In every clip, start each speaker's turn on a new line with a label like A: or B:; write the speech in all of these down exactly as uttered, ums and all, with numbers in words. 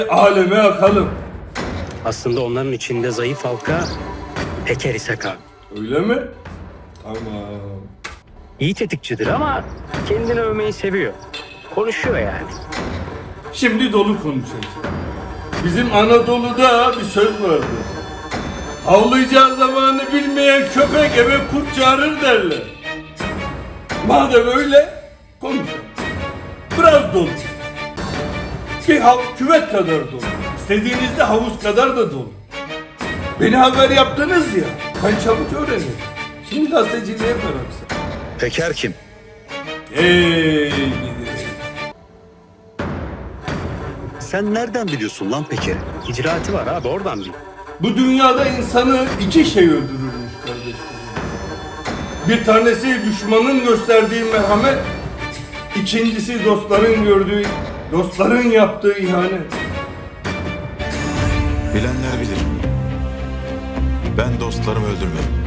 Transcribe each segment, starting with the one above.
A: Aleme akalım.
B: Aslında onların içinde zayıf halka Peker İshak abi.
A: Öyle mi? Tamam.
B: İyi tetikçidir ama kendini övmeyi seviyor. Konuşuyor yani.
A: Şimdi dolu konuşacağız. Bizim Anadolu'da bir söz vardır. Havlayacağı zamanı bilmeyen köpek eve kurt çağırır derler. Madem öyle konuşalım. Biraz dolu. Bir hav küvet kadar dolu. İstediğinizde havuz kadar da dolu. Beni haber yaptınız ya. Ben çabuk öğrenirim. Şimdi gazeteciliğe bıraksın.
C: Peker kim?
A: Ey gidi.
C: Sen nereden biliyorsun lan Peker'i?
B: İcraatı var abi, oradan bil.
A: Bu dünyada insanı iki şey öldürürmüş kardeşlerim. Bir tanesi düşmanın gösterdiği merhamet, ikincisi dostların gördüğü, dostların yaptığı ihanet.
D: Bilenler bilir. Ben dostlarımı öldürmedim.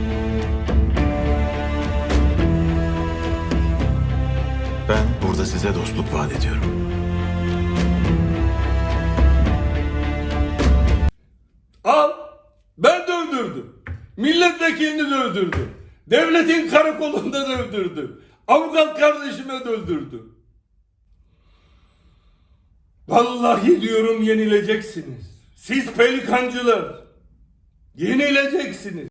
D: Ben burada size dostluk vaat ediyorum.
A: Al, ben de öldürdüm. Milletvekilini de öldürdüm. Devletin karakolunda da öldürdüm. Avukat kardeşime de öldürdüm. Vallahi diyorum yenileceksiniz. Siz pelikancılar. Yenileceksiniz.